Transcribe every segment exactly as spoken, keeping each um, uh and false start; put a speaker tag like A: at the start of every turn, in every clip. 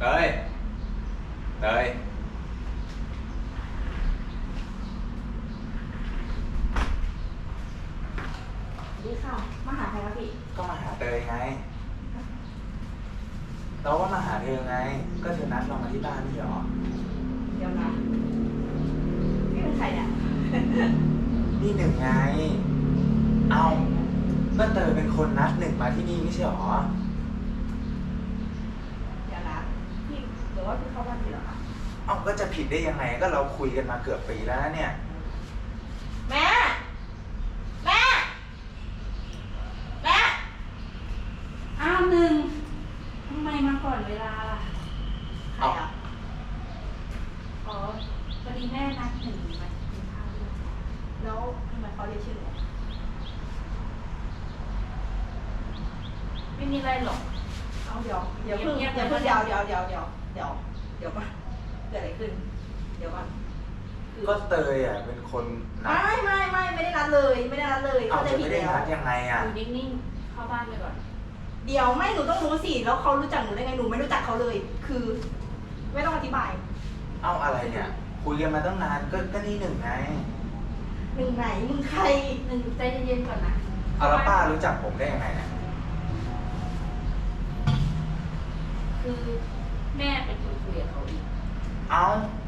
A: ยเตย
B: ดีค่ะมาหาใครคะพี่
A: ก็มาหาเตยไงเราก็มาหาเธอไงก็เธอนัดเรามาที่บ้านนี่หรอ
B: เดี๋ยวนะพี่เป็นใครเนี่ย
A: นี่หนึ่งไงเอาก็เตยเป็นคนนัดหนึ่งมาที่นี่ไม่ใช่หรอ
B: เดี๋ยวนะพี่หรือว่าพี่เข้าบ้านพี่เหรอคะ
A: เอาก็จะผิดได้ยังไงก็เราคุยกันมาเกือบปีแล้วนะเนี่ย
B: แม่แม่แม่อ้าวหนึ่งทำไมมาก่อนเวลาล่ะใครอ่ะอ๋อพอดีแม่นัดหนึ่งมากินข้าวด้วยแล้วทำไมเขาเรียกชื่อหนูไม่มีอะไรหรอกเอาเดี๋ยวเดี๋ยวเพิ่งเดี๋ยวเพิ่งเดี๋ยวเดี๋ยวเดี๋ยวเดี๋ยวเดี๋ยวเดี๋ยวก่อนเกิดอะไรขึ้นเดี๋ยวก่อน
A: ก็เตยอ่ะเป็นคนนัด
B: ไม่ไม่ไม่ไม่ได้นัดเลยไม่ได้นัดเลย
A: เอาจะไม่ได้นัดยังไงอ่ะ
C: อยู่นิ่งๆเข้าบ้านไปก่อน
B: เดี๋ยวไม่หนูต้องรู้สิแล้วเขารู้จักหนูได้ไงหนูไม่รู้จักเขาเลย คือ ไม่ต้องอธิบาย
A: เอาอะไรเนี่ยคุยกันมาตั้งนานก็ก็นี่หนึ่งไง
B: หนึ่งไหนมึงใคร
C: หนึ่งใจเย็นๆก่อนนะ
A: เอาแล้วป้ารู้จักผมได้ยังไงเนี่ย
C: คือแม่เป็นคนคุยกับเขาอีก
A: เอา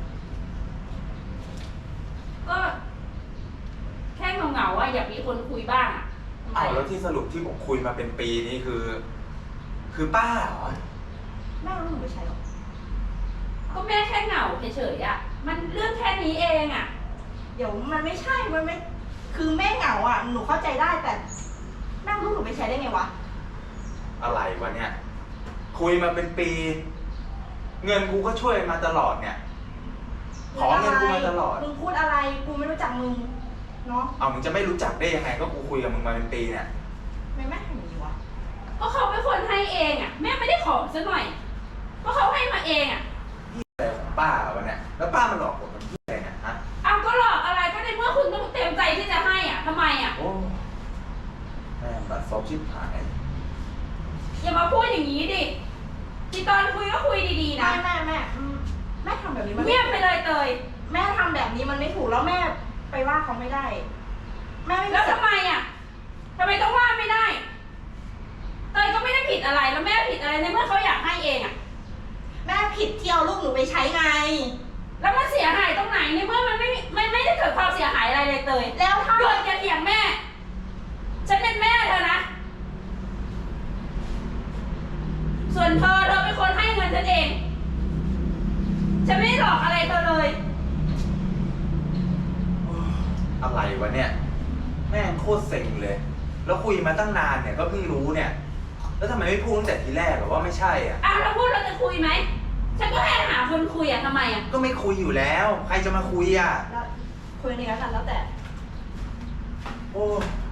C: ก็แค่เหงาๆอ่ะอยากมีคนคุยบ้างอ่ะ
A: เอาแล้วที่สรุปที่ผมคุยมาเป็นปีนี้คือ คือป้าเหรอ
B: แม่รู้หนูไม่ใช่หรอ
C: ก็แม่แค่เหงาเฉยๆอ่ะมันเรื่องแค่นี้เองอ่ะ
B: เดี๋ยวมันไม่ใช่มันไม่คือแม่เหงาอ่ะหนูเข้าใจได้แต่แม่รู้หนูไม่ใช่ได้ไงวะ
A: อะไรวะเนี่ยคุยมาเป็นปี เงินกูก็ช่วยมาตลอดเนี่ยขอเงินกูมาตลอด
B: มึงพูดอะไรกูไม่รู้จักมึงเนาะ
A: เอามึงจะไม่รู้จักได้ยังไงก็กูคุยกับมึงมาเป็นปีเนี่ย
B: ไม่แม่ทำอย่างนี้วะ
C: ก็เขาเป็นคนให้เองอ่ะแม่ไม่ได้ขอซะหน่อยก็เขาให้มาเองอ่ะ
A: พี่อะไรของป้าวะเนี่ยแล้วป้ามันหลอกผมมันพี่อะไรเนี่ยฮะ
C: อ้าวก็หลอกอะไรก็ในเมื่อคุณต้องเต็มใจที่จะให้อ่ะทำไมอ่ะ
A: โอ้แม่บัดซบชิบหาย
C: อย่ามาพูดอย่างนี้ดิที่ตอนคุยก็คุยดีๆนะ
B: แม่แม่แม่แม่ทำแบบนี้มัน
C: เงียบไปเลยเตย
B: แม่ทำแบบนี้มันไม่ถูกแล้วแม่ไปว่าเขาไม่ได้แม่ไม่
C: แล้วทำไมอ่ะทำไมต้องว่าไม่ได้เตยก็ไม่ได้ผิดอะไรแล้วแม่ผิดอะไรในเมื่อเขาอยากให้เองอ่ะ
B: แม่ผิดที่เอาลูกหนูไปใช้ไง
C: แล้วมันเสียหายตรงไหนในเมื่อมันไม่ไม่ไม่ได้เกิดความเสียหายอะไรเลยเตย
B: แล้วถ้า
C: โดนอย่าเถียงแม่ฉันเป็นแม่เธอนะส่วนเธอเธอเป็นคนให้เงินฉันเองฉันไม่ได้หลอกอะไรเธอเลย
A: อะไรวะเนี่ยแม่งโคตรเซ็งเลยแล้วคุยมาตั้งนานเนี่ยก็เพิ่งรู้เนี่ยแล้วทำไมไม่พูดตั้งแต่ทีแรกหรอว่าไม่ใช่อ่ะ
C: อ้าวเราพูดเราจะคุยไหมฉันก็แค่หาคนคุยอ่ะทำไมอ่ะ
A: ก็ไม่คุยอยู่แล้วใครจะมาคุยอ่ะ
B: คุยนี่แล้วกันแล้วแต่
A: โอ้